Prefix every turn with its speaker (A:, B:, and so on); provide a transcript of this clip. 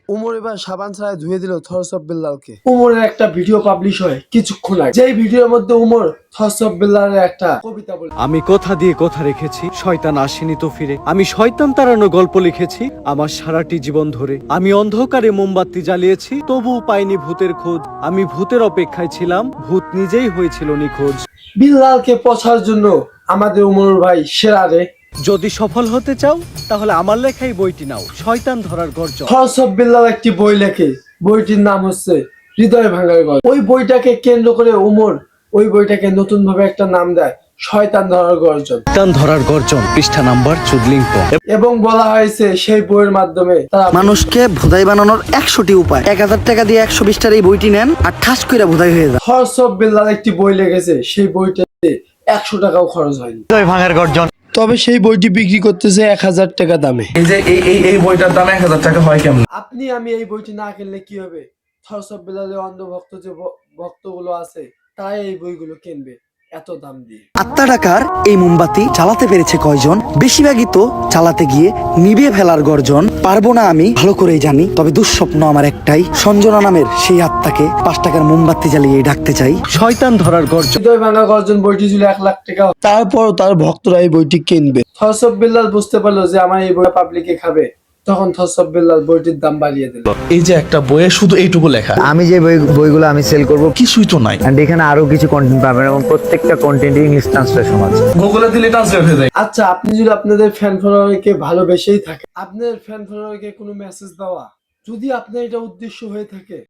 A: উমর এবার সাবান ছাড়া ধুয়ে দিল থরসব বিল্লালকে। উমরের একটা ভিডিও পাবলিশ হয় কিছুক্ষণ আগে, যেই ভিডিওর মধ্যে উমর থরসব বিল্লালের একটা কবিতা বলে,
B: আমি কথা দিয়ে কথা রেখেছি, শয়তান আসেনি তো ফিরে। আমি শয়তান তাড়ানো গল্প লিখেছি আমার সারাটি জীবন ধরে। আমি অন্ধকারে মোমবাতি জ্বালিয়েছি, তবুও পাইনি ভূতের খোঁজ। আমি ভূতের অপেক্ষায় ছিলাম, ভূত নিজেই হয়েছিল নিখোঁজ।
A: বিল্লালকে পছার জন্য আমাদের উমর ভাই সেরা রে।
B: যদি সফল হতে চাও তাহলে আমার লেখাই বইটি নাও, শয়তান ধরার গর্জন।
A: থরসব বিল্লাল একটি বই লেখে, বইটির নাম হচ্ছে হৃদয় ভাঙার গল্প। ওই বইটাকে কেন্দ্র করে উমর ওই বইটাকে নতুন ভাবে একটা নাম দেয়, শয়তান ধরার গর্জন।
B: শয়তান ধরার গর্জন, পৃষ্ঠা নাম্বার ৪৪।
A: এবং বলা হয়েছে সেই বইয়ের মাধ্যমে তারা
C: মানুষকে ভোদাই বানানোর ১০০টি উপায়। ১,০০০ টাকা দিয়ে ১২০টার এই বইটি নেন আর ঠাস করে ভোদাই হয়ে যায়।
A: থরসব বিল্লাল একটি বই লিখেছে, সেই বইটাতে ১০০ টাকাও খরচ হয়নি।
B: ভাঙার গর্জন।
A: তবে সেই বইটি বিক্রি করতেছে ১,০০০ টাকা দামে।
D: এই যে এই বইটার দাম ১,০০০ টাকা হয় কেমন?
A: আপনি আমি এই বইটি না কিনলে কি হবে? থরসব বিল্লালের অন্ধভক্ত যে ভক্তগুলো আছে তারাই এই বইগুলো কিনবে এত দাম দিয়ে।
C: আত্মা টাকার এই মোমবাতি চালাতে পেরেছে কয়জন? বেশিরভাগই তো চালাতে গিয়ে নিভিয়ে ফেলার গর্জন। পারবো না আমি ভালো করেই জানি, তবে দুঃস্বপ্ন আমার একটাই, সঞ্জনা নামের সেই আত্মাকে ৫ টাকার মোমবাতি জ্বালিয়ে ডাকতে চাই।
B: শয়তান ধরার গর্জন।
A: হৃদয় ভাঙা গর্জন বইটি ছিল ১,০০,০০০ টাকা, তারপরও তার ভক্তরা এই বইটি কিনবে। থরসব বিল্লাল বুঝতে পারলো যে আমার এই বই পাবলিকে খাবে, তখন থরসব বিল্লাল বইটির দাম বাড়িয়ে দিল।
D: এই যে একটা বইয়ে শুধু এইটুকু লেখা,
E: আমি যে বইগুলো আমি সেল করব,
D: কিছুই তো নাই।
E: and এখানে আরো কিছু কন্টেন্ট পাবেন এবং প্রত্যেকটা কন্টেন্ট ইংলিশ ট্রান্সলেশন আছে।
D: গুগলে দিলে ট্রান্সলেট হয়ে যায়।
A: আচ্ছা, আপনি যদি আপনাদের ফ্যান ফলোয়ারকে ভালোবেসেই থাকে, আপনার ফ্যান ফলোয়ারকে কোনো মেসেজ দেওয়া যদি আপনার এটা উদ্দেশ্য হয়ে থাকে,